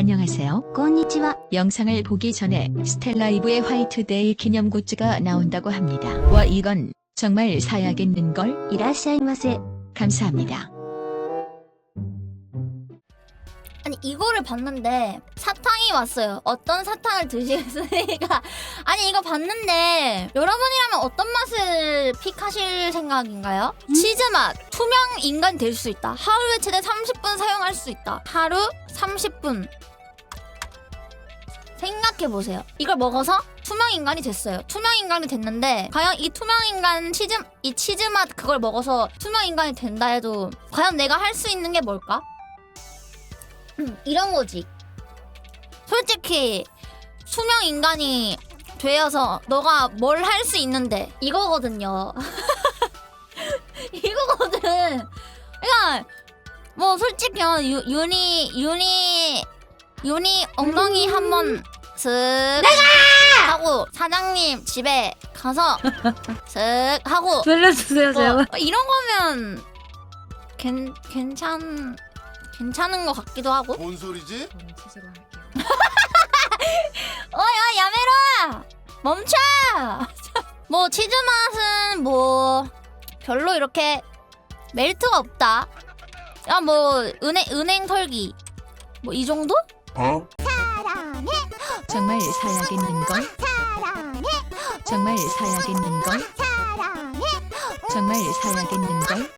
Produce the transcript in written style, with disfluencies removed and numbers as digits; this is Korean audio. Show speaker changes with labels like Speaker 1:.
Speaker 1: 안녕하세요.
Speaker 2: こんにちは。
Speaker 1: 영상을 보기 전에 스텔라이브의 화이트데이 기념 굿즈가 나온다고 합니다. 와 이건 정말 사야겠는걸?
Speaker 2: いらっしゃいませ。
Speaker 1: 감사합니다.
Speaker 3: 아니 이거를 봤는데 사탕이 왔어요. 어떤 사탕을 드시겠습니까? 아니 이거 봤는데 여러분이라면 어떤 맛을 픽하실 생각인가요? 치즈 맛, 투명 인간 될 수 있다. 하루에 최대 30분 사용할 수 있다. 하루 30분. 생각해보세요. 이걸 먹어서 투명 인간이 됐어요. 투명 인간이 됐는데 과연 이 투명 인간 이 치즈 맛 그걸 먹어서 투명 인간이 된다 해도 과연 내가 할 수 있는 게 뭘까? 이런 거지. 솔직히 투명 인간이 되어서 너가 뭘 할 수 있는데 이거거든요. 이거거든. 그러니까 뭐 솔직히 윤희 엉덩이 한번 슥 하고 사장님 집에 가서 슥 하고
Speaker 2: 살려주세요, 제발.
Speaker 3: 이런 거면 괜찮은 것 같기도 하고.
Speaker 4: 뭔 소리지?
Speaker 3: 어야 야메라 멈춰. 뭐 치즈 맛은 뭐 별로 이렇게 메리트가 없다. 야 뭐 은행 털기 뭐 이 정도?
Speaker 4: 어?
Speaker 1: 정말 사야겠는걸? 정말 사야겠는걸? 정말 사야겠는걸?